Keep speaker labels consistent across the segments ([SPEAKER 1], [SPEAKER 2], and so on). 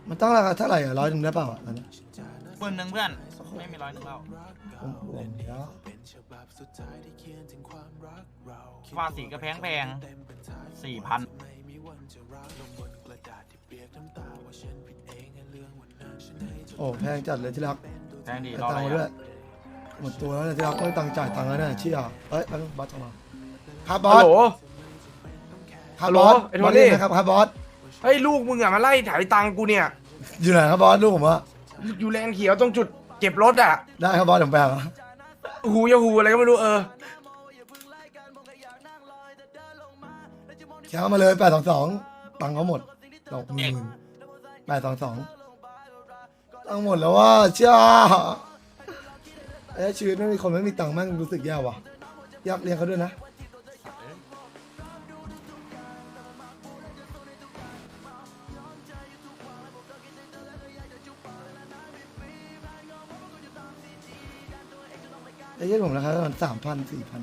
[SPEAKER 1] มันต้องราคาเท่าไหร่อ่ะ100ได้เปล่าอ่ะอันนี้
[SPEAKER 2] 10,000เพื่อนไม่มี100แล้ว
[SPEAKER 1] ผมเดี๋ยว
[SPEAKER 2] ว่าสีก็แพง4,000
[SPEAKER 1] โอ้แพงจัดเลยที่รัก
[SPEAKER 2] แพงดี
[SPEAKER 1] แต่
[SPEAKER 2] รอ
[SPEAKER 1] ตั
[SPEAKER 2] อะ
[SPEAKER 1] ง
[SPEAKER 2] ไร
[SPEAKER 1] ค์มาด้วย
[SPEAKER 2] อะ
[SPEAKER 1] หมดตัวแล้วเนี่ยที่รักไม่ตังค์จ่ายตังค์แล้วเนี่ยเชี่ยเอ้ยอันนี้บอสจะมาครับบอ
[SPEAKER 3] ฮัล
[SPEAKER 1] ส
[SPEAKER 3] โหล
[SPEAKER 1] ครับบอส
[SPEAKER 3] ไอ้โท
[SPEAKER 1] บอส
[SPEAKER 3] นี่
[SPEAKER 1] เรียกนะครับครับบอส
[SPEAKER 3] เฮ้ยลูกมึงอะมาไล่ถ่ายตังค์กูเนี่ย
[SPEAKER 1] อยู่ไหนครับบอสลูกผมว่า
[SPEAKER 3] อยู่แลนเขียวตรงจุดเก็บรถอะ
[SPEAKER 1] ได้ครับบอสผมไปหา
[SPEAKER 3] หูยาหูอะไรก็ไม่รู้
[SPEAKER 1] แค่มาเลย822ตังค์เขาหมดดอก10,000 822ตังค์หมดแล้วว่าเชี่ยชีวิตไม่มีคนไม่มีตังค์แม่งรู้สึกแย่ว่ะอยากเลี้ยงเขาด้วยนะไอ้เหี้ยผมราคาประมาณ3,000 4,000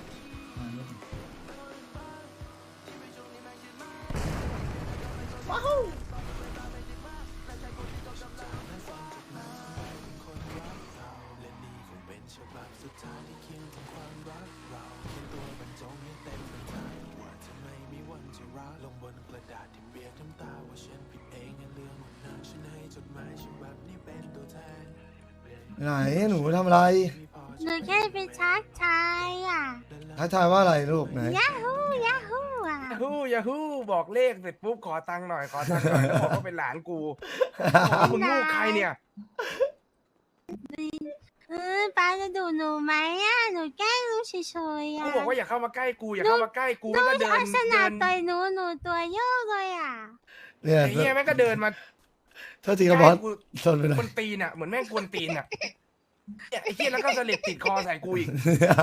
[SPEAKER 1] ไหนหนูทำอะไร
[SPEAKER 4] หนูแค่ไปชักชายอ่ะ
[SPEAKER 1] ทักทายว่าอะไรลูกไหน
[SPEAKER 4] ยาฮูยาฮูอ่ะ
[SPEAKER 3] ยาฮูบอกเลขเสร็จปุ๊บขอตังค์หน่อยแล้วบอกว่าเป็นหลานกูบอกว่ามึงลูกใครเนี่ย
[SPEAKER 4] ป้าจะดูหนูไหมอ่ะหนูแกล้งรู้เฉยๆ
[SPEAKER 3] กู
[SPEAKER 4] อ่ะ
[SPEAKER 3] บอกว่าอย่าเข้ามาใกล้กูอย่าเข้ามาใกล้กูแล้วก็เดิน
[SPEAKER 4] ลักษณะ
[SPEAKER 3] เดิน
[SPEAKER 4] ต่อยหนูตัวโยกเลยอ่ะ
[SPEAKER 1] เนี่ย
[SPEAKER 3] ไอ้เหี้ยแม่งก็เดินมา
[SPEAKER 1] โทษทีครับบอส
[SPEAKER 3] กู
[SPEAKER 1] ทนไปหน่
[SPEAKER 3] ค
[SPEAKER 1] อย
[SPEAKER 3] นตีนอะเหมือนแม่งกวนตีนอะเนี่ยไอ้เหี้ยแล้วก็สลิดติดคอใส่กูอีก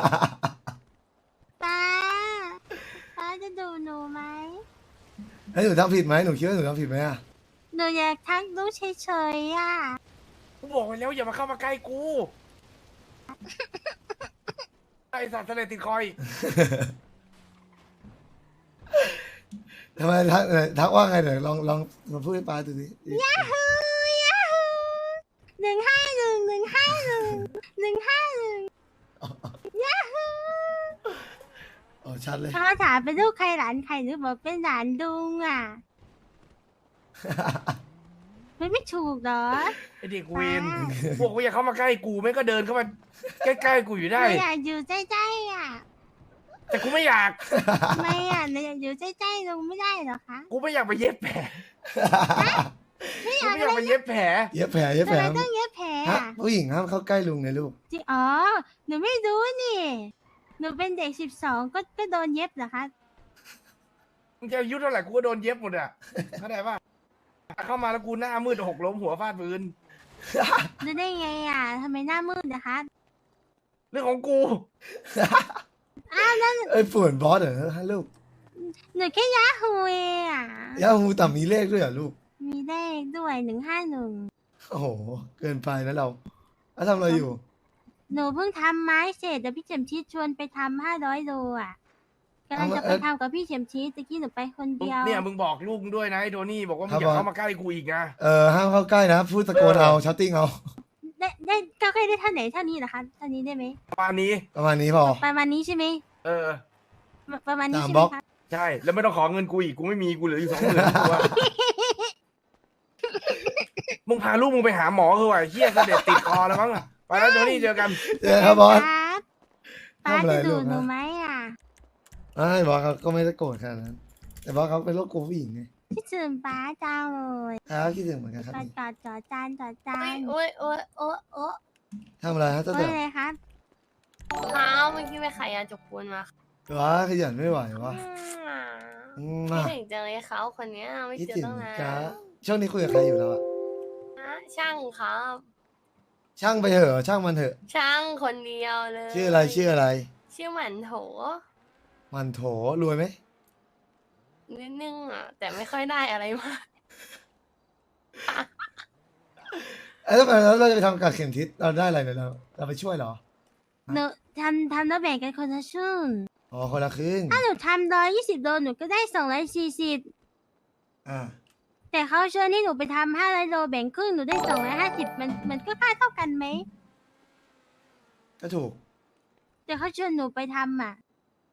[SPEAKER 4] ป้าจะดูหนูไหม
[SPEAKER 1] ให้หนูทำผิดไหมหนูคิดว่าหนูทำผิดไหมอ่ะ
[SPEAKER 4] หนูอยากทักรู้เฉยๆอ่ะ
[SPEAKER 3] กูบอกไปแล้วอย่ามาเข้ามาใกล้กูไอสัตว์สลิดติดคออีก
[SPEAKER 1] ทำไมทักว่าไงเดี๋ยวลองมาพูดให้ป้าดูสิ
[SPEAKER 4] ยาฮู151 ยาฮู
[SPEAKER 1] อ๋อชัดเลย
[SPEAKER 4] เขาถามเป็นลูกใครหลานใครหรือบอกเป็นหลานลุงอ่ะไม่ถูกเหรอ
[SPEAKER 3] ไอเด็กเวนพวกกูอย่าเข้ามาใกล้กูแม่งก็เดินเข้ามาใกล้ๆกูอยู่
[SPEAKER 4] ห
[SPEAKER 3] ได้
[SPEAKER 4] นูอยากอยู่ใกล้ๆอ่ะ
[SPEAKER 3] แต่กูไม่อยาก
[SPEAKER 4] ทำไมอ่ะหนูอยากอยู่ใกล้ๆลุงไม่ได้เหรอคะ
[SPEAKER 3] กูไม่อยากไปเย็บแผล
[SPEAKER 4] ไม่อ
[SPEAKER 3] กู
[SPEAKER 4] ยาก
[SPEAKER 3] ไม่อยากไปเย็บแผล
[SPEAKER 1] เย็บแผลเย็บ
[SPEAKER 4] ทำ
[SPEAKER 1] แผล
[SPEAKER 4] ไมต้องเย็บแผล
[SPEAKER 1] ฮะ
[SPEAKER 4] อ่ะ
[SPEAKER 1] ผู้หญิงห้ามเข้าใกล้ลุงไงลูก
[SPEAKER 4] จริงอ๋อหนูไม่รู้นี่หนูเป็นเด็ก12ก็โดนเย็บเหรอคะ
[SPEAKER 3] มึงจะอายุเท่าไหร่กูก็โดนเย็บหมดอ่ะเข้าใจป่ะเข้ามาแล้วกูหน้ามืดหกล้มหัวฟาดพื้น
[SPEAKER 4] รู้ได้ไงอ่ะทำไมหน้ามืดนะคะ
[SPEAKER 3] เรื่องของกู
[SPEAKER 4] อ้าวนั่น
[SPEAKER 1] เอ้ยป่วนบอสเหรอฮะลูก
[SPEAKER 4] หนูแค่ยาฮูเองอ่ะ
[SPEAKER 1] ยาฮูแต่มีเลขด้วยเหรอลูก
[SPEAKER 4] มีเลขด้วย151
[SPEAKER 1] โอ้โหเกินไปนะเราแล้วทำอะไรอยู่
[SPEAKER 4] หนูเพิ่งทำไม้เสร็จเดี๋ยวพี่เข็มชีสชวนไปทำ500 โลอ่ะกำลังจะไปทำกับพี่เข็มชีสตะกี้หนูไปคนเดียว
[SPEAKER 3] เนี่ยมึงบอกลูกมึงด้วยนะไอ้โทนี่บอกว่ามึงอย่าเข้ามาใกล้กูอีกนะ
[SPEAKER 1] ห้ามเข้าใกล้นะพูดตะโกนเอาชาตติ้งเอา
[SPEAKER 4] ได้ก็แค่ได้เท่าไหนเท่านี้เหรอคะเท่านี้ได้ไหม
[SPEAKER 3] ประมาณนี้
[SPEAKER 1] ประมาณนี้พอ
[SPEAKER 4] ประมาณนี้ใช่ไหม
[SPEAKER 3] เออ
[SPEAKER 4] ประมาณนี้
[SPEAKER 1] ตาม
[SPEAKER 4] ใช่
[SPEAKER 1] บ
[SPEAKER 4] ไห
[SPEAKER 1] ล็
[SPEAKER 4] ม
[SPEAKER 1] อก
[SPEAKER 4] คะ
[SPEAKER 3] ใช่ แล้วไม่ต้องขอเงินกูอีก กูไม่มี กูเหลืออยู่20,000ตัว มึงพาลูกมึงไปหาหมอคือว่าเฮียเสด็จติดคอแล้วมั้งอะไปแล้วโทนี่เจอกัน
[SPEAKER 1] เจอครับบอส
[SPEAKER 4] ครับป้า
[SPEAKER 1] ทำอะไร
[SPEAKER 4] จะ
[SPEAKER 1] ลู
[SPEAKER 4] ดู
[SPEAKER 1] ก
[SPEAKER 4] หนู
[SPEAKER 1] ฮะ
[SPEAKER 4] ไหมอ่ะ
[SPEAKER 1] ไม่บอสเขาก็ไม่ได้โกรธขนาดนั้น แต่บอสเขาเป็นโรคกลัวผู้หญิงไง
[SPEAKER 4] คิดถึงป้าจังเลย
[SPEAKER 1] ครับคิดถึงเหมือนกันครับ
[SPEAKER 4] จอดจาน
[SPEAKER 5] โอ้ยโอ้ยโอ้ยโอ้ย
[SPEAKER 1] ทำอะไรฮะเจ้า
[SPEAKER 4] โอ้
[SPEAKER 1] เต๋
[SPEAKER 4] ย
[SPEAKER 1] อ
[SPEAKER 4] อะไรครับ
[SPEAKER 5] เท้าเมื่อกี้ไปขายยาจกปูนมา
[SPEAKER 1] ว้าขยันไม่ไหววะ
[SPEAKER 5] คิดถึงจังเลยเขาคนเนี้ยไม่
[SPEAKER 1] คิด
[SPEAKER 5] เจอ
[SPEAKER 1] ถึง
[SPEAKER 5] ตั้งนาน
[SPEAKER 1] จ้าช่วงนี้คุยกับใครอยู่แล้วอะ
[SPEAKER 5] ฮะช่างครับ
[SPEAKER 1] ช่างไปเถอะช่างมันเถอะ
[SPEAKER 5] ช่างคนเดียวเลย
[SPEAKER 1] ชื่ออะไรชื่ออะไร
[SPEAKER 5] ชื่อหมันโถ
[SPEAKER 1] มันโถรวยไหม
[SPEAKER 5] นิดนึงอ่ะ แต่ไม่ค่อยได้อะไรมาก
[SPEAKER 1] แล้วเราจะไปทำการเข็มทิศเราได้อะไรเนี่ยเราไปช่วยเหรอ
[SPEAKER 4] หนูทำแล้วแบ่งกันคนละครึ่ง
[SPEAKER 1] อ๋อคนละครึ่ง
[SPEAKER 4] ถ้าหนูทำ120 โลหนูก็ได้240
[SPEAKER 1] อ่า
[SPEAKER 4] แต่เขาเชิญให้หนูไปทำ500 โลแบ่งครึ่งหนูได้250มันก็ค่าเท่ากันไหม
[SPEAKER 1] ก็ถูก
[SPEAKER 4] แต่เขาเชิญหนูไปทำอ่ะ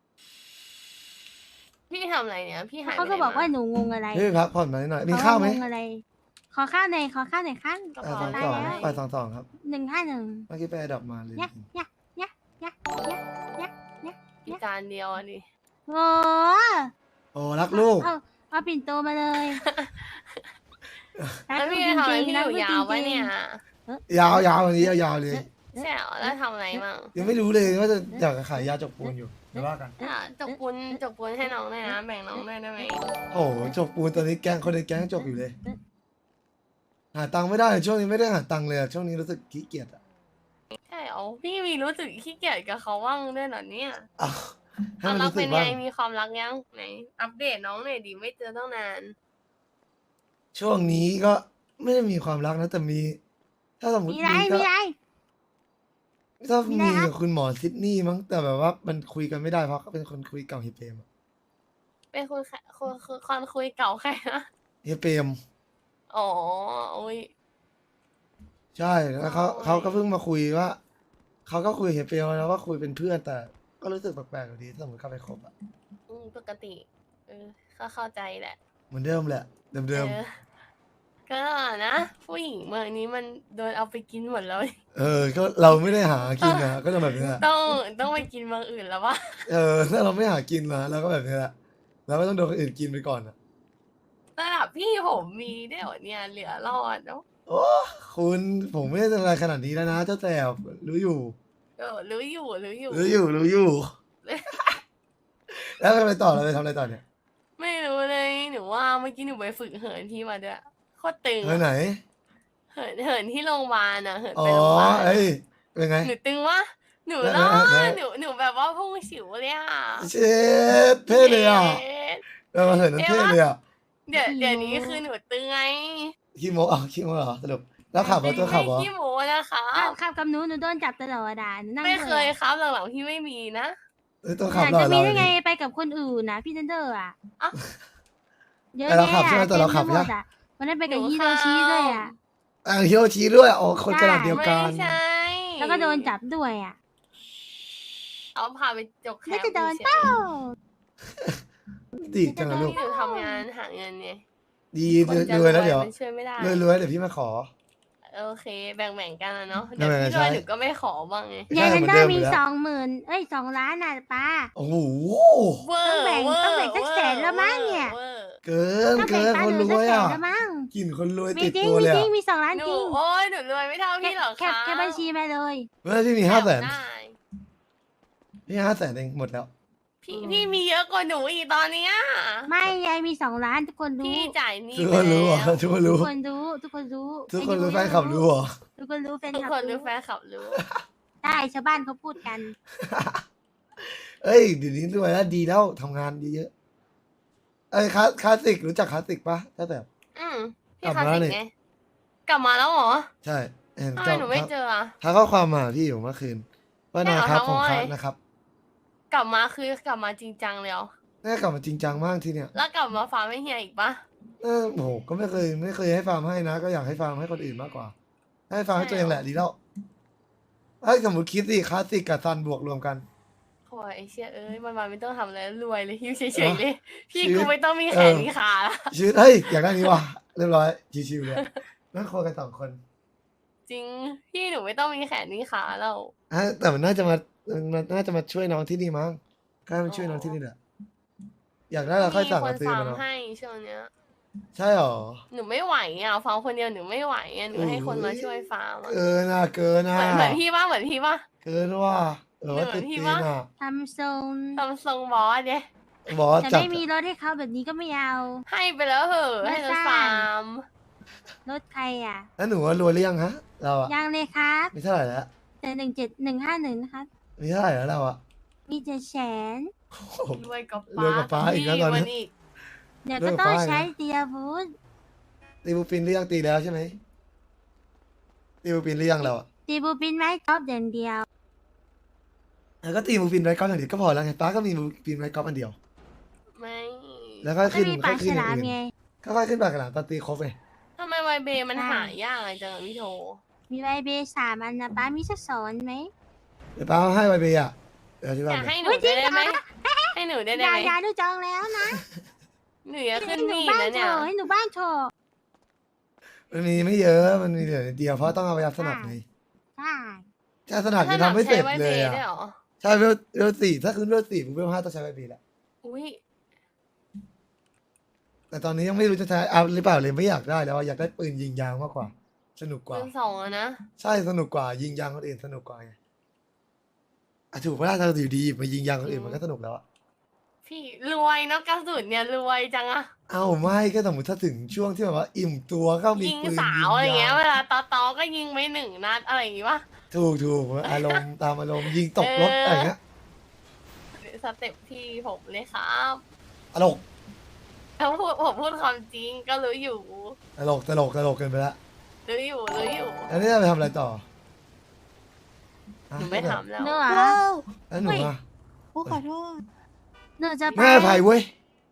[SPEAKER 5] พี่ทำอะไรเนี่ย พี่หาย
[SPEAKER 4] เขา
[SPEAKER 5] ไป
[SPEAKER 4] ก็
[SPEAKER 5] ไหน
[SPEAKER 4] บอกว่า
[SPEAKER 5] มา
[SPEAKER 4] หนูงงอะไร
[SPEAKER 1] พี่ไปพักผ่อนมาหน่อยมีข้าวไหม
[SPEAKER 4] เขงงอะไร ขอข้าวหน่อยขั้น
[SPEAKER 5] กระ
[SPEAKER 1] ไป
[SPEAKER 5] เป๋า
[SPEAKER 1] สอง
[SPEAKER 5] ได้
[SPEAKER 1] สอง
[SPEAKER 5] แล้ว
[SPEAKER 1] ไปสองสองครับ
[SPEAKER 4] 151
[SPEAKER 1] เมื่อกี้ไปดับมาเลย
[SPEAKER 4] ยะยะยะยะยะยะยะ
[SPEAKER 5] อีกจานเดียวอ่ะดิ
[SPEAKER 4] โอ้
[SPEAKER 1] โอ้รักลูก
[SPEAKER 4] เอาปิ่นโตมาเลย
[SPEAKER 5] แล้วพี่จะทำอะไรพี่อยู่ยาวปะเนี่ย
[SPEAKER 1] ยาววันนี้ยาวเลย
[SPEAKER 5] ใช่เหรอแล้วทำอะไรมั่ง
[SPEAKER 1] ยังไม่รู้เลยว่าจะอยากจะขายยาจกปูนอยู่เดี๋ยวว่ากัน
[SPEAKER 5] จกปูนให้น้องด้วยนะ แบ่งน้องด้วยได้ไหม
[SPEAKER 1] โอ้โหจกปูนตอนนี้แก๊งคนในแก๊งจกอยู่เลย หาตังค์ไม่ได้ช่วงนี้ไม่ได้หาตังค์เลยอะช่วงนี้รู้สึกขี้เกียจอะ
[SPEAKER 5] ใช่เหรอพี่มีรู้สึกขี้เกียจกับเขาบ้างด้วยเหรอเนี่ย
[SPEAKER 1] อ้าวให้
[SPEAKER 5] ความ
[SPEAKER 1] มัน
[SPEAKER 5] รัก
[SPEAKER 1] รู้สึ
[SPEAKER 5] เป็
[SPEAKER 1] ก
[SPEAKER 5] นไง
[SPEAKER 1] บ้าง
[SPEAKER 5] มีความรักยังไหนอัปเดตน้องหน่อยดิไม่เจอตั้งนาน
[SPEAKER 1] ช่วงนี้ก็ไม่ได้มีความรักนะแต่มี ถ้าสมมติ
[SPEAKER 4] มีไร
[SPEAKER 1] ก็
[SPEAKER 4] มีไร
[SPEAKER 1] ถ้า
[SPEAKER 4] มีอะไร
[SPEAKER 1] มี
[SPEAKER 4] ครับ
[SPEAKER 1] กับคุณหมอซิดนีย์มั้งแต่แบบว่ามันคุยกันไม่ได้เพราะเขาเป็นคนคุยเก่าเฮียเปรมอะ
[SPEAKER 5] เป็นคนคุยเก่าใครนะ
[SPEAKER 1] เฮียเปรม
[SPEAKER 5] อ๋อโอ้ย
[SPEAKER 1] ใช่แล้วเขาก็เพิ่งมาคุยว่าเขาก็คุยกับเฮียเปรมแล้วว่าคุยเป็นเพื่อนแต่ก็รู้สึกแปลกๆอยู่ดีถ้าสมมติเขาไปคบอะ
[SPEAKER 5] ปกติก็เข้าใจแหละ
[SPEAKER 1] เหมือนเดิมแหละเดิม
[SPEAKER 5] เออก็นะผู้หญิงเมืองนี้มันโดนเอาไปกินหมดแล้ว
[SPEAKER 1] ก็เราไม่ได้หากินนะก็จะแบบนี้แหละ
[SPEAKER 5] ต้องไปกินเมืองอื่นแล้ววะ
[SPEAKER 1] ถ้าเราไม่หากินนะเราก็แบบนี้แหละเราก็ต้องโดนคนอื่นกินไปก่อนอะ
[SPEAKER 5] ระดับพี่ผมมีได้วยเหรอเนี่ยเหลือรอดเนาะ
[SPEAKER 1] โอ้คุณผมไม่ได้ทำอะไรขนาดนี้แล้วนะเจ้าแสบรู้อยู่
[SPEAKER 5] รู้อยู่
[SPEAKER 1] รู้อยู่ แล้วทำอะไรต่อเราไปทำอะไรต่อเนี่ย
[SPEAKER 5] ไม่รู้เลยหนูว่าเมื่อกี้หนูไปฝึกเหินที่มาด้วยโคตรตึง
[SPEAKER 1] ไปไหน
[SPEAKER 5] เหินที่โรงพยาบาลอะเหิน
[SPEAKER 1] อ๋
[SPEAKER 5] ไป
[SPEAKER 1] อ
[SPEAKER 5] โรงพยาบาล
[SPEAKER 1] เอ้ยเป็นไง
[SPEAKER 5] หนูตึงวะหนู
[SPEAKER 1] ไหน
[SPEAKER 5] รอ
[SPEAKER 1] ไหน
[SPEAKER 5] ดหนูแบบว่าพุ่งฉิวเลยอะ
[SPEAKER 1] เช็ดเท่เลยอ่ะ
[SPEAKER 5] เอ๊ะ
[SPEAKER 1] เรามาเห็นนั้นเท่เลยอ่ะ
[SPEAKER 5] เดี๋ยวนี้คือหนูตึงไง
[SPEAKER 1] ขี้โมขี้โมเหรอสรุปแล้วขับรถตัวขับเหรอ
[SPEAKER 5] ไม่ขี้โม้นะคะ
[SPEAKER 4] ขับกับหนูโดนจับตลอดอ่ะหนูนั่ง
[SPEAKER 5] ไม่
[SPEAKER 4] ด้ว
[SPEAKER 5] เคยครับหลังๆพี่ไม่มีนะ
[SPEAKER 1] ตัวขับ
[SPEAKER 4] อยาก
[SPEAKER 1] หล่อ
[SPEAKER 4] จะมี
[SPEAKER 1] เรา
[SPEAKER 4] ได้ไง
[SPEAKER 1] ดิ
[SPEAKER 4] ไปกับคนอื่นนะพี่เทนเดอร์อ่ะ
[SPEAKER 5] อ่ะ
[SPEAKER 4] เยอะ
[SPEAKER 1] แต่เราขับ
[SPEAKER 4] แยะ
[SPEAKER 1] ใช่ไหมแต่เราขับ
[SPEAKER 4] ต็มไปหมด
[SPEAKER 1] ใช่ไหม
[SPEAKER 4] อะวันนั้นไปกับ
[SPEAKER 5] หนู
[SPEAKER 4] ฮิโรชิ
[SPEAKER 5] ขับ
[SPEAKER 4] ด้วยอ่ะ
[SPEAKER 1] ฮิโรชิด้วยอ๋อคนกระดาษเดียวกัน
[SPEAKER 5] ไม่ใช่
[SPEAKER 4] แล้วก็โดนจับด้วยอ่ะ
[SPEAKER 5] เอาพาไปจกแค
[SPEAKER 4] แล้ว
[SPEAKER 5] ม
[SPEAKER 4] จะโดน
[SPEAKER 5] เฉย
[SPEAKER 4] เป้า
[SPEAKER 1] ดีจังเลยลูก
[SPEAKER 5] ที่หนูทำงานหาเงินเนี่ย
[SPEAKER 1] ดี
[SPEAKER 5] คนจะ
[SPEAKER 1] รวยแล้วเดี๋ยว
[SPEAKER 5] มันช่วยไม่ได้
[SPEAKER 1] รวยเดี๋ยวพี่มาขอ
[SPEAKER 5] โอเค แบ่งกันนะเนาะ
[SPEAKER 1] แบ่
[SPEAKER 5] เดี๋ยว
[SPEAKER 1] งๆ
[SPEAKER 5] พี่รวย
[SPEAKER 1] ใช่
[SPEAKER 5] หนูก็ไม่ขอบ้างไง
[SPEAKER 4] ยาย
[SPEAKER 1] เห
[SPEAKER 4] เท
[SPEAKER 1] มื
[SPEAKER 4] น
[SPEAKER 1] อน
[SPEAKER 4] เดอ
[SPEAKER 1] เดิม
[SPEAKER 4] ร์
[SPEAKER 1] อยู่
[SPEAKER 4] มี
[SPEAKER 1] แล้ว
[SPEAKER 4] 2 ล้านอ่ะป้า
[SPEAKER 1] โอ้โห
[SPEAKER 5] เวอร์
[SPEAKER 4] ต้องแบ่งสักแสนแล้วมั้งเนี่ย
[SPEAKER 5] วอร์
[SPEAKER 1] เกิน
[SPEAKER 4] ต้อง
[SPEAKER 1] เกิ
[SPEAKER 4] แบ่ง
[SPEAKER 1] น
[SPEAKER 4] ตัง
[SPEAKER 1] คน
[SPEAKER 4] ค์หนู
[SPEAKER 1] ร
[SPEAKER 4] สั
[SPEAKER 1] ว
[SPEAKER 4] ก
[SPEAKER 1] ย
[SPEAKER 4] แสน
[SPEAKER 1] อ่ะ
[SPEAKER 4] แล้วมั้ง
[SPEAKER 1] กลิ่นคนรวย
[SPEAKER 4] มี
[SPEAKER 1] ติด
[SPEAKER 4] จริง
[SPEAKER 1] ตัว
[SPEAKER 4] มี
[SPEAKER 1] เลย
[SPEAKER 4] จริ
[SPEAKER 1] อ่ะ
[SPEAKER 4] งมี2 ล้าน
[SPEAKER 5] หนู
[SPEAKER 4] จริง
[SPEAKER 5] โอ้ยหนูรวยไม่เท่าพี่หรอก
[SPEAKER 4] แค
[SPEAKER 5] ค่ะ
[SPEAKER 4] ปบัญชีมาเลย
[SPEAKER 1] เมื่อพี่มี
[SPEAKER 5] แคป
[SPEAKER 1] 500,000
[SPEAKER 5] ได้
[SPEAKER 1] พี่500,000เองหมดแล้ว
[SPEAKER 5] พี่มีเยอะกว่าหนูอีกตอนเนี้ย
[SPEAKER 4] ไม่ยายมี2 ล้านทุกคนรู้
[SPEAKER 5] พี่จ่ายหนี่
[SPEAKER 1] ทุกคนรู้เหรอ
[SPEAKER 5] ไปแล้ว
[SPEAKER 1] ทุกคน
[SPEAKER 4] ทุ
[SPEAKER 1] รู้
[SPEAKER 4] กคนรู้ทุกคนรู้
[SPEAKER 1] ทุกคนรู้แฟนขับรู้เหรอ
[SPEAKER 4] ทุกคนรู้แฟน
[SPEAKER 5] ทุก
[SPEAKER 4] คลับ
[SPEAKER 5] คนรู้แฟนขับรู้
[SPEAKER 4] ได้ชาวบ้านเขาพูดกัน
[SPEAKER 1] เอ้ยเดี๋ยวนี้รวยแล้วดีแล้วทำงานเยอะๆเอ้ยคลาสสิกรู้จักคลาสสิกปะถ้าแบบ
[SPEAKER 5] พี่
[SPEAKER 1] กลับ
[SPEAKER 5] คลาส
[SPEAKER 1] มาแล้ว
[SPEAKER 5] สิ
[SPEAKER 1] นี่
[SPEAKER 5] กไงกลับมาแล้วเหรอ
[SPEAKER 1] ใช่เห็น
[SPEAKER 5] ทำไมหนูไม่เจออะ
[SPEAKER 1] ทักข้อความมาพี่อยู่เมื่อคืนว่า
[SPEAKER 5] ใช่
[SPEAKER 1] นา
[SPEAKER 5] เหรอ
[SPEAKER 1] ครับ
[SPEAKER 5] ทัก
[SPEAKER 1] ของ
[SPEAKER 5] ว่า
[SPEAKER 1] ครับ
[SPEAKER 5] ไง
[SPEAKER 1] นะครับ
[SPEAKER 5] กลับมาคือกลับมาจริงจังเลยเหรอ
[SPEAKER 1] น่ากลับมาจริงจังมากทีเนี้ย
[SPEAKER 5] แล้วกลับมาฟาร์มให้เฮียอีกปะ
[SPEAKER 1] โอ้โหก็ไม่เคยให้ฟาร์มให้นะ ก็อยากให้ฟาร์มให้คนอื่นมากกว่า ให้ฟาร์มให้ตัวเองแหละดีแล้วไอ้ยสมมติคิดสิคลาสสิกกับซันบวกรวมกัน
[SPEAKER 5] โอ้ยไอเชี่ยเอ้ยมันไม่ต้องทำอะไรรวยเลยอยู่เฉยๆเลย พี่
[SPEAKER 1] ชีวิต
[SPEAKER 5] กูไม่ต้องมีแขนมีขาละ
[SPEAKER 1] ชีวิตเฮ้ยอยากได้นี้ว่ะเรียบร้อยชิวๆเลยนั่งคุยกัน2 คน
[SPEAKER 5] จริงพี่หนูไม่ต้องมีแขนมีขาแล้ว
[SPEAKER 1] แต่มันน่าจะมาช่วยน้องที่นี่มั้งก็ให้มันช่วยน้องที่นี่แหละอยากได้เราค่อยสั่ง
[SPEAKER 5] มี
[SPEAKER 1] มา
[SPEAKER 5] คน
[SPEAKER 1] ซื้อ
[SPEAKER 5] ฟาร์
[SPEAKER 1] มาม เนาะ
[SPEAKER 5] ให้ช่วงเนี้ย
[SPEAKER 1] ใช่หรอ
[SPEAKER 5] หนูไม่ไหวอ่ะฟาร์มคนเดียวหนูไม่ไหวอ่ะหนูให้คนมาช่วยฟาร์มอะ
[SPEAKER 1] เกินอ่ะเกินอ่ะ
[SPEAKER 5] เหมือนพี่ป่ะเหมือนพี่ป่ะ
[SPEAKER 1] เกินว่าว่า
[SPEAKER 5] เหมื
[SPEAKER 1] ติ
[SPEAKER 5] อ
[SPEAKER 1] ด
[SPEAKER 5] นพี่
[SPEAKER 1] ตีน
[SPEAKER 5] ปะ
[SPEAKER 1] อ่ะ
[SPEAKER 4] ทำทรง
[SPEAKER 5] ทำทรงบอสเนี่ย
[SPEAKER 1] บอส
[SPEAKER 4] แต่
[SPEAKER 1] จัด
[SPEAKER 4] ไม่มีรถให้เขาแบบนี้ก็ไม่เอา
[SPEAKER 5] ให้ไปแล้วเหอะ
[SPEAKER 4] ไม่
[SPEAKER 5] ให้รถ
[SPEAKER 4] สร้าง
[SPEAKER 5] ฟาร์ม
[SPEAKER 4] รถใครอ่ะ
[SPEAKER 1] แล้วหนูว่ารวยหรือยังฮะเราอ่ะ
[SPEAKER 4] ยังเลยครับ
[SPEAKER 1] มีเท่าไหร่แล้ว
[SPEAKER 4] แต่17151นะครับ
[SPEAKER 1] มีเท่าไหร่แล้วเราอ่ะ
[SPEAKER 4] มี700,000
[SPEAKER 1] โอ้โห
[SPEAKER 5] รวยกับ
[SPEAKER 1] รวยกับป๊าอีกแล้วตอนนี้
[SPEAKER 5] พี่อีก
[SPEAKER 4] เดี๋ยว
[SPEAKER 1] เลิ
[SPEAKER 4] ก็
[SPEAKER 1] ก
[SPEAKER 4] ต้อง
[SPEAKER 1] ป้ายนะ
[SPEAKER 4] ใช้เตียบูธ
[SPEAKER 1] ตีบูปินหรือยังตีแล้วใช่ไหมตีบูปินหรือยังเราอ่ะ
[SPEAKER 4] ตีบูปินไม้กอล์ฟอย่างเดียว
[SPEAKER 1] แล้วก็ตีบูปินไว้กอล์ฟอย่างเดียวก็พอแล้วไงป้าก็มีบูปินไว้กอล์ฟอันเดียว
[SPEAKER 5] ไม่
[SPEAKER 1] แล้วก็
[SPEAKER 4] ไม่
[SPEAKER 1] ขึ้น
[SPEAKER 4] มี
[SPEAKER 1] ก็
[SPEAKER 4] ปลาฉ
[SPEAKER 1] ขึ้นอย่า
[SPEAKER 4] ลาม
[SPEAKER 1] งอื่น
[SPEAKER 4] ไง
[SPEAKER 1] ค่อยๆขึ้นปากกระหล่ำตอนตีครบไง
[SPEAKER 5] ทำไมไวเบมันหายากจังอะพี่โท
[SPEAKER 4] มีใบเบ3 อันนะป้ามีสักสอนไหม
[SPEAKER 1] เดี๋ยวป้าเอาให้ไวเบียร์เดี๋ยวที่
[SPEAKER 5] อ
[SPEAKER 1] บ้าน
[SPEAKER 5] ยาก
[SPEAKER 1] เนี่
[SPEAKER 5] ให้
[SPEAKER 1] ย
[SPEAKER 5] หนูได้ไหมให้หนูได้ไหม
[SPEAKER 4] ยาดูจองแล้วนะ
[SPEAKER 5] หนูอยากขึ้น
[SPEAKER 4] ให้หนู
[SPEAKER 5] นี่
[SPEAKER 4] บ้าน
[SPEAKER 5] นะ
[SPEAKER 4] โช
[SPEAKER 5] เนี่ย
[SPEAKER 4] ว์ให้หนูบ้านโชว์
[SPEAKER 1] มันมีไม่เยอะมันมีเหลือนิดเดียวเพราะต้องเอาไปรับสนับไง
[SPEAKER 4] ใช่
[SPEAKER 1] แค่สนับยังทำไม่เสร็จ
[SPEAKER 5] ใช้ไว
[SPEAKER 1] เล
[SPEAKER 5] เบ
[SPEAKER 1] ยอ่ะ
[SPEAKER 5] ได้เหรอ
[SPEAKER 1] ใช่เวลสี่ถ้าขึ้นเวลสี่มึงเวลห้าต้องใช้ไวเบียร์แหละ
[SPEAKER 5] อุ้ย
[SPEAKER 1] แต่ตอนนี้ยังไม่รู้จะใช้เอาหรือเปล่าเลยไม่อยากได้แล้วอะอยากได้ปืนยิงยางมากกว่า สนุกกว่า
[SPEAKER 5] เงิน2อะนะ
[SPEAKER 1] ใช่สนุกกว่ายิงยางคนอื่นสนุกกว่าไงอ่ะถูกไหมล่ะถ้าอยู่ดีมายิงยางคนอื่นมันก็สนุกแล้วอะ
[SPEAKER 5] พี่รวยเนาะกระสุนเนี่ยรวยจังอะ
[SPEAKER 1] เอ้าไม่ก็สมมติถ้าถึงช่วงที่แบบว่าอิ่มตัวก็มี
[SPEAKER 5] ยิง
[SPEAKER 1] ปืน
[SPEAKER 5] สาวอะไรเงี้ย
[SPEAKER 1] ง
[SPEAKER 5] เวลาตอก็ยิงไม่1 นัดอะไรอย่างงี้วะ
[SPEAKER 1] ถูกอารมณ์ตามอารมณ์ยิงตกรถอะไรอย่างเงี้ย
[SPEAKER 5] สเต็ปพี่ผมเลยครับ
[SPEAKER 1] ตลก
[SPEAKER 5] ถ้าผมพูดความจริงก็รู้อยู่
[SPEAKER 1] ตลกเกินไปละ
[SPEAKER 5] รู้อยู่
[SPEAKER 1] อันนี้จะไปทำอะไรต่อ
[SPEAKER 5] หนูไม่ทำแล้ว
[SPEAKER 4] หนูเหรอ
[SPEAKER 6] ว้าว
[SPEAKER 1] แล้วหนูอ่ะ
[SPEAKER 6] โอ้ขอโทษ
[SPEAKER 4] หนูจะไป
[SPEAKER 1] แม่ไผ่เว้ย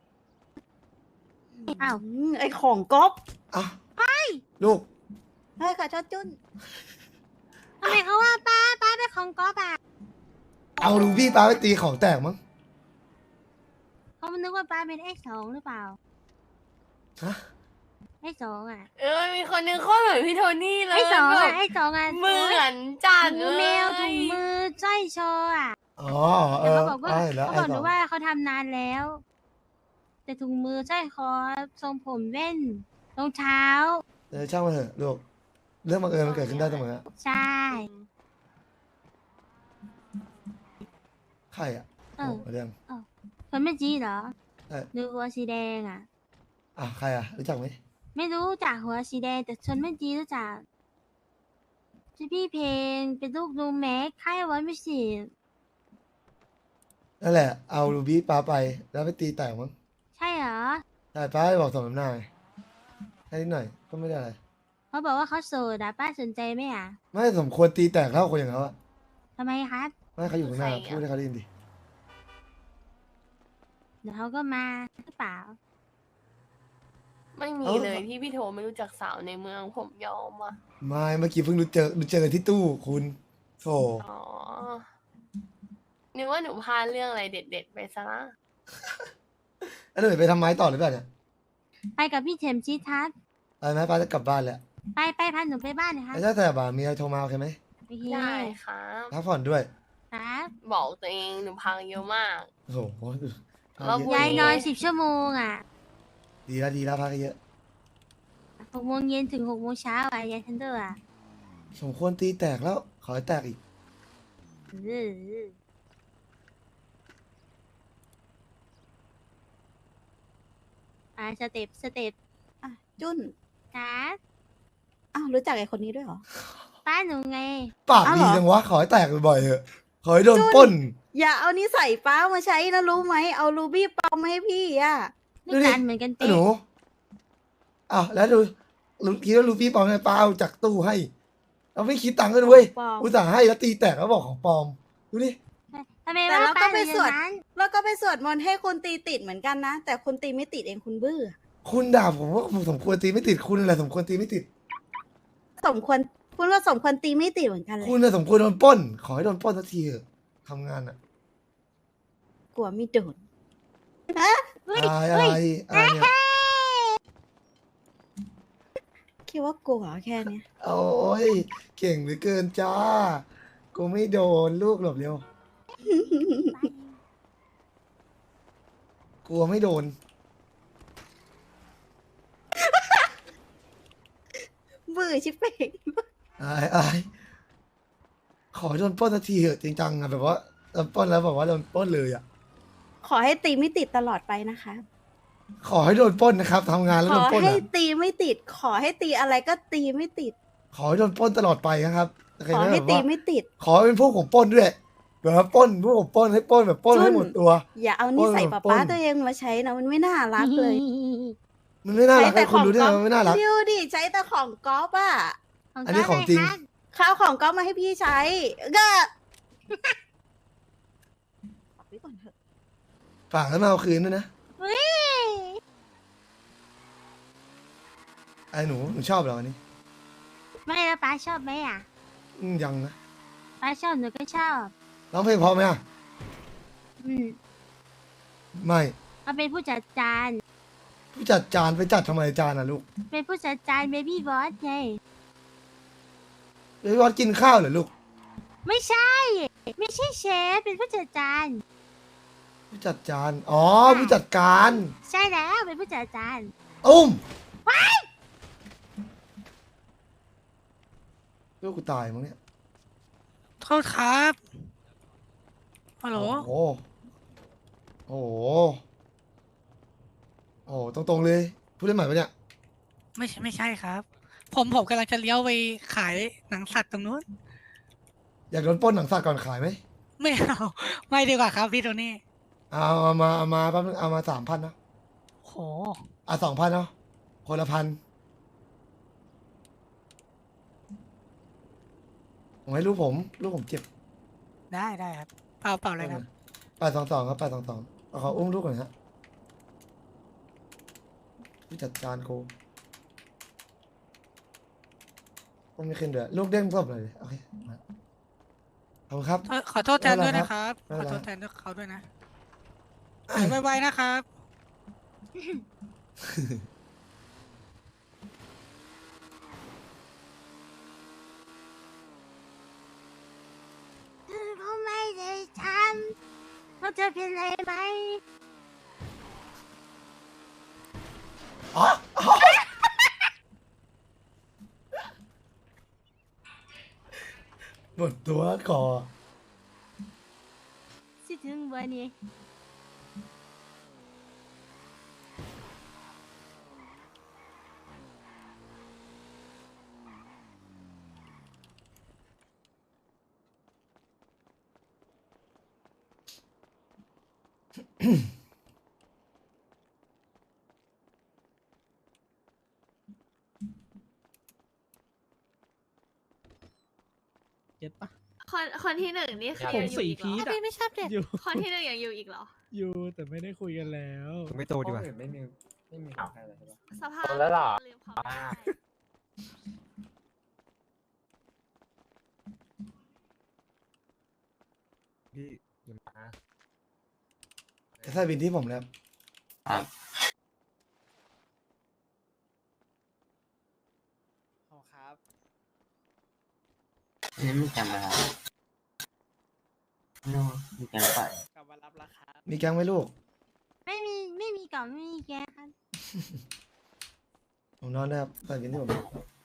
[SPEAKER 4] อ้าว
[SPEAKER 6] ไอของก๊อฟ
[SPEAKER 1] อ่ะลูก
[SPEAKER 6] เฮ้ยขอโทษจุน
[SPEAKER 4] ทำไมเขาว่าป้าเป็นของก๊อฟอ่ะ
[SPEAKER 1] เอาลูพี่ป้าไปตีของแตกมั้ง
[SPEAKER 4] เขานึกว่าป้าเป็นX2หรือเปล่า
[SPEAKER 1] ฮะ
[SPEAKER 4] X2อ่ะ
[SPEAKER 5] มีคนนึงโคตรเหมือนพี่โทนี่เลย
[SPEAKER 4] X2
[SPEAKER 5] แบ
[SPEAKER 4] อ่ะ
[SPEAKER 5] บ
[SPEAKER 4] X2อ่ะ
[SPEAKER 5] เหมือนจัด
[SPEAKER 4] ถุ
[SPEAKER 5] เล
[SPEAKER 4] ง
[SPEAKER 5] ย
[SPEAKER 4] แมวถุงมือสร้อยโชว์อ่ะ
[SPEAKER 1] อ๋อเอ
[SPEAKER 4] แต่
[SPEAKER 1] อ
[SPEAKER 4] เขาบอกว่า
[SPEAKER 1] เห็นแล้ว
[SPEAKER 4] เขา
[SPEAKER 1] ไอ้
[SPEAKER 4] บอกห
[SPEAKER 1] ส
[SPEAKER 4] นู
[SPEAKER 1] อง
[SPEAKER 4] ว่าเขาทำนานแล้ว แต่ถุงมือสร้อยคอทรงผมแว่นรองเท้า
[SPEAKER 1] ช่างมันเถอะลูกเรื่องบังเอิญมันเกิดขึ้นได้เสมอ
[SPEAKER 4] ใช่
[SPEAKER 1] ใครอ่ะ
[SPEAKER 4] เออ
[SPEAKER 1] โอ้เรื่อง
[SPEAKER 4] คนไม่จีเหรอ
[SPEAKER 1] เออ
[SPEAKER 4] หรือหัวสีแดงอ่ะ
[SPEAKER 1] อ่ะใครอ่ะรู้จักไหม
[SPEAKER 4] ไม่รู้จักหัวสีแดงแต่ชนไม่จีรู้จักชื่อพี่เพลงเป็นลูกลุงแม็กค่ายวันพิสิทธิ์
[SPEAKER 1] นั่นแหละเอาลูบี้ป้าไปแล้วไปตีแตกมั้ง
[SPEAKER 4] ใช่เหรอ
[SPEAKER 1] ใช่ป้าไปบอกสมน้ำหน้าไงแค่นิดหน่อยก็ไม่ได้อะไร
[SPEAKER 4] เขาบอกว่าเขาโสดอ่ะป้าสนใจไหมอ่ะ
[SPEAKER 1] ไม่สมควรตีแตกเท่าคนอย่างเขาอะ
[SPEAKER 4] ทำไมครับ
[SPEAKER 1] ไม่ให้เขาอยู่ข้างหน้าพูดให้เขาได้ยินดิ
[SPEAKER 4] เดี๋ยวเขาก็มาหรือเปล่า
[SPEAKER 5] ไม่มีเลยที่พี่โทไม่รู้จักสาวในเมืองผมยอมอ่ะ
[SPEAKER 1] ไม่เมื่อกี้เพิ่งรู้เจอกันที่ตู้คุณโธ่
[SPEAKER 5] อ๋อนึกว่าหนูพลาดเรื่องอะไรเด็ดๆไปซะละ
[SPEAKER 1] แล้วหนูไปทำไม้ต่อหรือเปล่าเนี่ย
[SPEAKER 4] ไปกับพี่เฉมชีทัศน์
[SPEAKER 1] ไปไหมป้าจะกลับบ้านแล้ว
[SPEAKER 4] ไปพาหนูไปบ้านหนะคะ
[SPEAKER 1] ไอ้เจ้าแต่บ่ามีอะไรโทรมาโอเคไหม
[SPEAKER 4] โอเค
[SPEAKER 5] ได้ครับ
[SPEAKER 1] พักผ่อนด้วย
[SPEAKER 4] ครับ
[SPEAKER 5] บอกตัวเองหนูพังเยอะมาก
[SPEAKER 1] โอ้โหพัก
[SPEAKER 5] แล้ว
[SPEAKER 1] เย
[SPEAKER 5] พรุ่ง
[SPEAKER 1] อะ
[SPEAKER 4] ยายนอน10 ชั่วโมงอ่ะ
[SPEAKER 1] ดีแล้วพักเยอะ
[SPEAKER 4] 6 โมงเย็นถึง6 โมงเช้าอ่ะยายทันเดอร์อ่ะ
[SPEAKER 1] สมควรตีแตกแล้ว ขอให้แตกอีก
[SPEAKER 4] สเต็ป
[SPEAKER 6] อ่ะจุน
[SPEAKER 4] ครับ
[SPEAKER 6] อ้าวรู้จักไอคนนี้ด้วยเหรอ
[SPEAKER 4] ป้าหนูไง
[SPEAKER 1] ปาก
[SPEAKER 6] อ้าว
[SPEAKER 1] ดี
[SPEAKER 6] เหรอ
[SPEAKER 1] จังวะ ขอให้แตกบ่อยๆเถอะ ขอให้โดนปล้น
[SPEAKER 6] อย่าเอานิสัยป้ามาใช้นะรู้ไหมเอารูบี้ปลอมมาให้พี่อ่ะ
[SPEAKER 4] ไม่กันเหมือนกัน
[SPEAKER 1] ไอ้
[SPEAKER 4] เป๊ะ
[SPEAKER 1] หนูอ้าวแล้วดูคิดว่าลูฟี่ปลอมไงป้าเอาจากตู้ให้ เราไม่คิดตังค์กันเว้ย
[SPEAKER 6] ปลอม
[SPEAKER 1] อุตส่าห์ให้แล้วตีแตกแล้วบอกของปลอม ดูดิ
[SPEAKER 4] ทำไม
[SPEAKER 6] แต่
[SPEAKER 4] ว่า
[SPEAKER 6] เรา
[SPEAKER 4] ป้า
[SPEAKER 6] ก็
[SPEAKER 4] ห
[SPEAKER 6] ไป
[SPEAKER 4] นูอ
[SPEAKER 6] สวด
[SPEAKER 4] ย่างนั้น
[SPEAKER 6] แล้วก็ไปสวดมนต์ให้คนตีติดเหมือนกันนะ แต่คนตีไม่ติดเองคุณบื้อ
[SPEAKER 1] คุณด่าผมว่าผมสมควรตีไม่ติดคุณอะไรสมควรตีไม่ติด
[SPEAKER 6] สมควรคุณว่าสมควรตีไม่ติดเหมือนกันเลย
[SPEAKER 1] คุณน่ะสมควรโดนปล้น ขอให้โดนปล้นสักทีเถอะทำงานอ่ะ
[SPEAKER 6] กลัวไม่โดน
[SPEAKER 4] เฮ้ย
[SPEAKER 1] อะไรเนี่ย
[SPEAKER 6] คิดว่ากลัวแค่เนี้ย
[SPEAKER 1] โอ้ยเก่งเหลือเกินจ้า กูไม่โดนลูกหลบเร็ว กลัวไม่โดน
[SPEAKER 6] บื้อชิบเป่ง
[SPEAKER 1] อายขอให้โดนปล้นสักทีเถอะจริงจังอะแบบว่าโดนปล้นแล้วบอกว่าโดนปล้นเลยอะ
[SPEAKER 6] ขอให้ตีไม่ติดตลอดไปนะคะ
[SPEAKER 1] ขอให้โดนปล้นนะครับทำงานแล้ว
[SPEAKER 6] ข
[SPEAKER 1] โด
[SPEAKER 6] อน
[SPEAKER 1] ปล้น
[SPEAKER 6] ให้
[SPEAKER 1] อะ
[SPEAKER 6] ตีไม่ติด ขอให้ตีอะไรก็ตีไม่ติด
[SPEAKER 1] ขอให้โดนปล้นตลอดไปนะครับเคย
[SPEAKER 6] ขอ
[SPEAKER 1] ไหม
[SPEAKER 6] ให้
[SPEAKER 1] แบบ
[SPEAKER 6] ตี
[SPEAKER 1] ว่า
[SPEAKER 6] ไม่ติด
[SPEAKER 1] ขอให้เป็นพวกผมปล้นด้วยแบบว่าปล้นพวกผมปล้นให้ปล้นแบบปล้นให้หมดตัว
[SPEAKER 6] อย่าเอานิสัย
[SPEAKER 1] ปล้น
[SPEAKER 6] ป้าตัวเองมาใช้นะมันไม่น่ารักเลย
[SPEAKER 1] มันไม่น่ารักเลยคุณรู้ได้ไงมันไม่น่ารัก
[SPEAKER 6] ดิวดิใช้แต่ของก๊อฟอ่ะ
[SPEAKER 1] อันนี้ของจริง
[SPEAKER 6] ข้าวของก๊อฟมาให้พี่ใช้ก็ ขอไว้ก่อนเถอะ
[SPEAKER 1] ฝากแล้วมาเอาคืนด้วยนะ
[SPEAKER 4] เฮ้ย
[SPEAKER 1] ไอ้หนูชอบเหรอวันนี้
[SPEAKER 4] ไม่แล้วป้าชอบไหมอ่ะ
[SPEAKER 1] ยังนะ
[SPEAKER 4] ป้าชอบหนูก็ชอบ
[SPEAKER 1] ร้องเพลงเพราะไหมอ่ะ
[SPEAKER 4] อืม
[SPEAKER 1] ไม่
[SPEAKER 4] เขาเป็นผู้จัดจาน
[SPEAKER 1] ผู้จัดจานไปจัดทำไมจานอ่ะลูก
[SPEAKER 4] เป็นผู้จัดจานเบบี้บอสไง
[SPEAKER 1] เฮ้ยวัดกินข้าวเหรอลูก
[SPEAKER 4] ไม่ใช่ ไม่ใช่เชฟเป็นผู้จัดจาน
[SPEAKER 1] ผู้จัดจานอ๋อผู้จัดการ
[SPEAKER 4] ใช่แล้วเป็นผู้จัดจาน
[SPEAKER 1] อุ้มลูกกูตายมั้งเนี่ย
[SPEAKER 7] โทษครับฮัลโหล
[SPEAKER 1] โอ้โหโอ้โหโอ้โหตรงๆเลยพูดได้ไหมปะเนี่ย
[SPEAKER 7] ไม่ใช่ครับ ผมกำลังจะเลี้ยวไปขายหนังสัตว์ตรงนู้น
[SPEAKER 1] อยากโดนปล้นหนังสัตว์ก่อนขายไหม
[SPEAKER 7] ไม่เอา ไม่ดีกว่าครับพี่โทนี่
[SPEAKER 1] เอามาแป๊บนึงเอามา3,000นะ
[SPEAKER 7] โห
[SPEAKER 1] 2,000เนาะคนละ1,000ผมให้ลูกผมเจ็บ
[SPEAKER 7] ได้ครับ เปล่าอะไรครับ
[SPEAKER 1] 822ครับ822เอาขออุ้มลูกก่อนฮะผู้จัดการกูต้องไม่ขึ้นด้วยลูกเด้งศพเลยดิโอเคมาขอบคุณครับ
[SPEAKER 7] ขอโทษแทนด้วยนะครับ
[SPEAKER 1] ไม่
[SPEAKER 7] ข
[SPEAKER 1] เป็
[SPEAKER 7] อน
[SPEAKER 1] ไร
[SPEAKER 7] โทษแทนเขาด้วยนะหายไวๆนะครับ
[SPEAKER 4] เธอก็ไม่ได้ทำว่าเธอเป็นไรไหม
[SPEAKER 1] อ๋อหมดตัวคอ
[SPEAKER 4] คิดถึงวันนี้
[SPEAKER 8] เก็ตปะ
[SPEAKER 5] คนที่หนึ่งนี่คือ
[SPEAKER 8] ผม
[SPEAKER 5] ยังอยู่
[SPEAKER 8] สี่
[SPEAKER 5] อีกเหร
[SPEAKER 8] พี
[SPEAKER 5] อ
[SPEAKER 8] ทอะ
[SPEAKER 7] ไม่ชอบเด็ก
[SPEAKER 8] อยู่
[SPEAKER 5] คนที่หนึ่งยังอยู่อีกเหรอ
[SPEAKER 8] อยู่แต่ไม่ได้คุยกันแล้ว
[SPEAKER 9] ไม่โตดีกว่า
[SPEAKER 3] ไม่มีใครเลยใช่ปะ
[SPEAKER 5] สภาพ
[SPEAKER 3] แล้วเหรอ
[SPEAKER 5] ลืมเขาไม่ได้
[SPEAKER 9] พี่
[SPEAKER 1] ใส่บินที่ผมแล้ว
[SPEAKER 7] ครับ
[SPEAKER 10] นี่ไม่จำนะครับโน้มีการปล่อย
[SPEAKER 7] กลับมารับราคา
[SPEAKER 1] มีแก๊งไหมลูก
[SPEAKER 4] ไม่มีกล่องไม่มีแกครับ
[SPEAKER 1] ผมนอนนะครับใส่บินที่ผม